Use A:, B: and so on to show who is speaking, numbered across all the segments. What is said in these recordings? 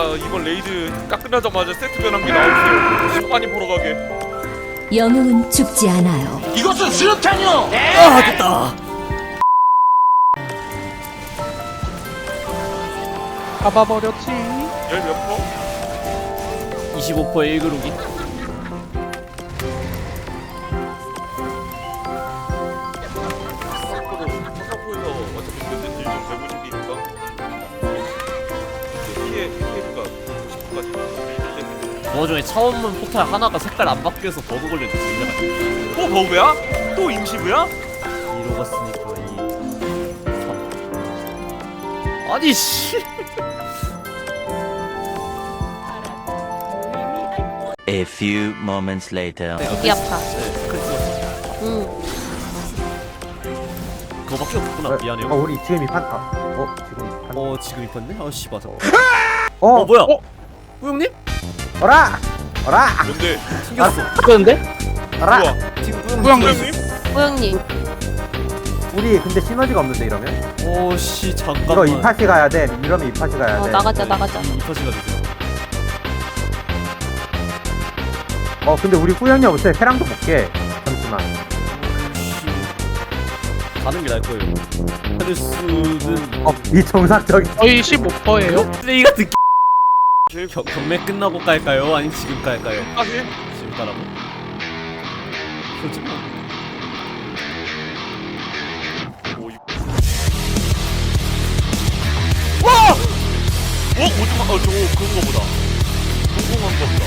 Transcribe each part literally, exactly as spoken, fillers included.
A: 이번 레이드 딱 끝나자마자 세트 변환기 나오세요. 시간이 보러 가게.
B: 영웅은 죽지 않아요.
C: 이것은 수류탄이요!
D: 아 됐다.
E: 잡아버렸지.
A: 열 몇 퍼?
D: 이십오 퍼센트 일 그루기.
A: 서포에서 어차피 끝은 딜좀 백오십이니까 피해 피해가 구십까지.
D: 그 와중에 차원문 포탈 하나가 색깔 안 바뀌어서 버그 걸렸는데 진짜.
A: 또 버그야? 또 임시부야?
D: 이로 갔으니까 이, 삼. 아니 씨.
F: A few moments later.
G: 여기 아파.
D: 네, 그랬어.
G: 응.
D: 그거밖에 없구나. 미안해요.
H: 어 우리 지금 입한 아, 어 지금 입한
D: 어 지금 입었네? 아씨 맞아.
H: 어,
D: 어 뭐야?
E: 어?
D: 우영님?
H: 어라 어라
A: 뭔데?
D: 튕겼어.
E: 그런데?
H: 어라
A: 우와.
D: 지금
E: 우영님.
A: 형님?
G: 호영님.
H: 우리 근데 시너지가 없는데 이러면
D: 오씨
H: 이거
D: 잠깐만.
H: 이파시 가야 돼 이러면 이파시 가야
G: 어
H: 돼
G: 나가자 나가자.
D: 이파시가 되죠.
H: 어 근데 우리 후연이 없어요 캐랑도 볼게 잠시만
D: 가는 게 나을 거예요. 하늘수는
H: 어이 정상적인
E: 거의 십오 퍼센트예요.
D: 쓰레기 같은
A: 제일
D: 겨, 경매 끝나고 깔까요? 아니면 지금 깔까요?
A: 사실
D: 지금 깔라고? 솔직히
A: 오 이. 와! 어 오지마. 어 저거 그런 거보다. 궁금한 거보다.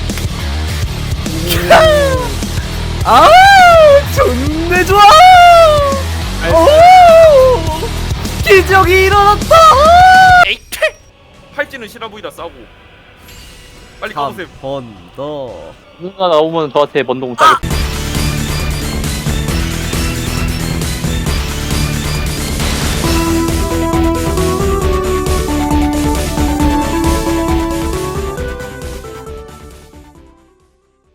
D: 아 존내 좋아. 오 기적이 일어났다.
A: 에이! 팔찌는 실화 보이다 싸고. 빨리
D: 한
A: 까보세요.
D: 번 더.
E: 누가 나오면 저한테 먼동 싸게.